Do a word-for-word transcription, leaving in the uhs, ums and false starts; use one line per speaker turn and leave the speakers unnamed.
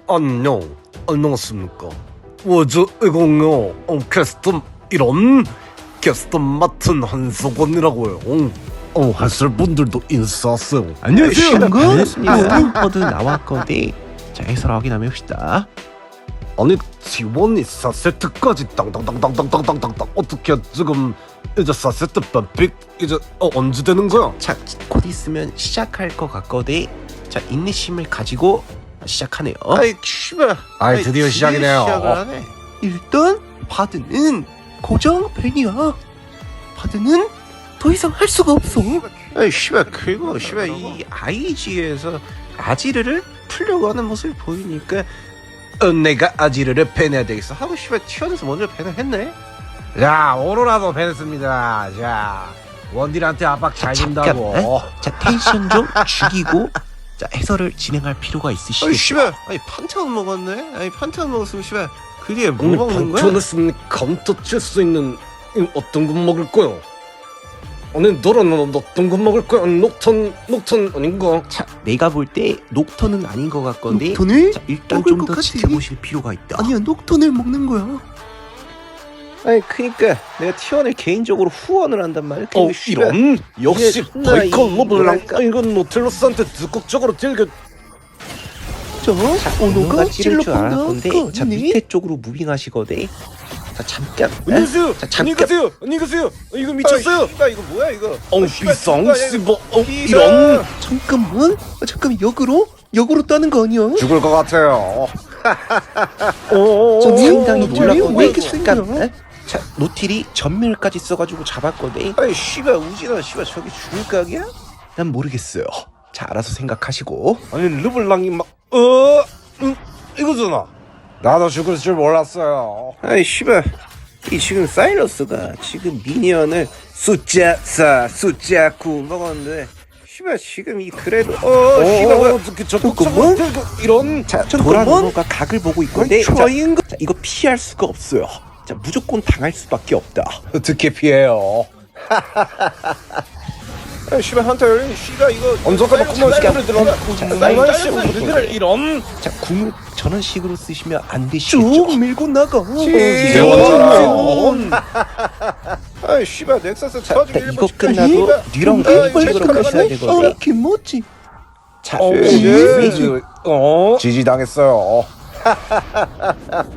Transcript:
안녕, 안녕하십니까. 워즈 이공요 어, 캐스터 이런 캐스터 맡은 한석원이라고요. 어, 하실 분들도 인사하세요.
안녕하세요.
반갑습니다. 모두 나왔거든. 자, 해설 확인하면 봅시다.
아니 지원이 사 세트까지 땅땅땅땅땅땅땅땅 어떻게 지금 이제 사 세트 뱀픽 이제 어, 언제 되는 거야?
자, 곧 있으면 시작할 것 같거든. 자, 인내심을 가지고 시작하네요.
아이 씨발.
아이 드디어 시작이네요.
시작을 하네.
일단 바드는 고정 팬이야. 바드는 더 이상 할 수가 없어.
아이 씨발 그리고 씨발 이 아이지에서 아지르를 풀려고 하는 모습이 보이니까 어, 내가 아지르를 밴해야 되겠어 하고 씨발 튀어나서 먼저 밴을 했네.
자 오로라도 밴했습니다. 자 원딜한테 압박 잘 준다고.
잠깐만. 자, 텐션 좀 죽이고 자, 해설을 진행할 필요가
아이
있으시겠죠?
씨발 아니 판테온 먹었네. 아니 판테온 먹었으면 씨발 그 뒤에 뭐
오늘
먹는 거야?
방천했으니 감터 칠 수 있는 이 어떤 거 먹을 거야? 아니 너는 어떤 거 먹을 거야? 녹턴 녹턴 아닌가?
자, 내가 볼 때 녹턴은 아닌 것 같건데.
녹턴을?
자, 일단
먹을
좀
것
더
같지?
지켜보실 필요가 있다.
아니야, 녹턴을 먹는 거야.
아니 그니까 내가 티원을 개인적으로 후원을 한단 말이야.
어
근데 씨발
이런 역시
이게 존나 이-
바이컬 로블랑
뭐랄까?
이건 노틸러스한테 적극적으로 til겨.
저 오너가
찌를 줄
찔러본다.
알았건데.
그거
자,
아니니?
밑에 쪽으로 무빙하시거든. 자, 잠깐.
안녕히 가세요.
자,
안녕히
잠깐.
가세요. 안녕히 가세요. 이거 미쳤어요.
아, 씨발 이거 뭐야 이거?
어
아, 씨발,
비상
누가
씨뭐 어,
비상.
이런
잠깐만. 아, 잠깐만, 역으로? 역으로 따는 거 아니야?
죽을 것 같아요. 오,
저
상당히
노틸이
놀랐거든.
왜 이렇게 생겨?
잠깐. 자, 노틸이 전멸까지 써가지고 잡았거든.
아이 씨발 우진아 씨발 저기 죽을 각이야?
난 모르겠어요. 자, 알아서 생각하시고.
아니 르블랑이 막어 음, 이거잖아. 나도 죽을 줄 몰랐어요.
아이 씨발 이 지금 사이러스가 지금 미니언을 숫자 사 숫자 구 먹었는데 씨발 지금 이 그래도 어 씨발 뭐야
어떻게 적극적으로 til겨 이런.
자,
잠깐만.
도라노가 각을 보고 있건데. 자,
저인 거.
자, 이거 피할 수가 없어요. 자, 무조건 당할 수밖에 없다.
어떻게 피해요?
아이 씨발 한타 열린 씨가 이거
언제까지 그만 시간을 들어.
자,
그만
사이러스
시간 우리들 이런.
자, 궁을 저런 식으로 쓰시면 안 되시겠죠?
쭉 밀고 나가.
재원처럼.
아이 씨발 넥서스
자,
터지기
일단 이거
일본
끝나고
씨발.
뉴런
아, 이거
개인적으로
잠깐만.
가셔야 되거든요.
어, 김모찌.
자,
어,
예.
어, 지지 당했어요.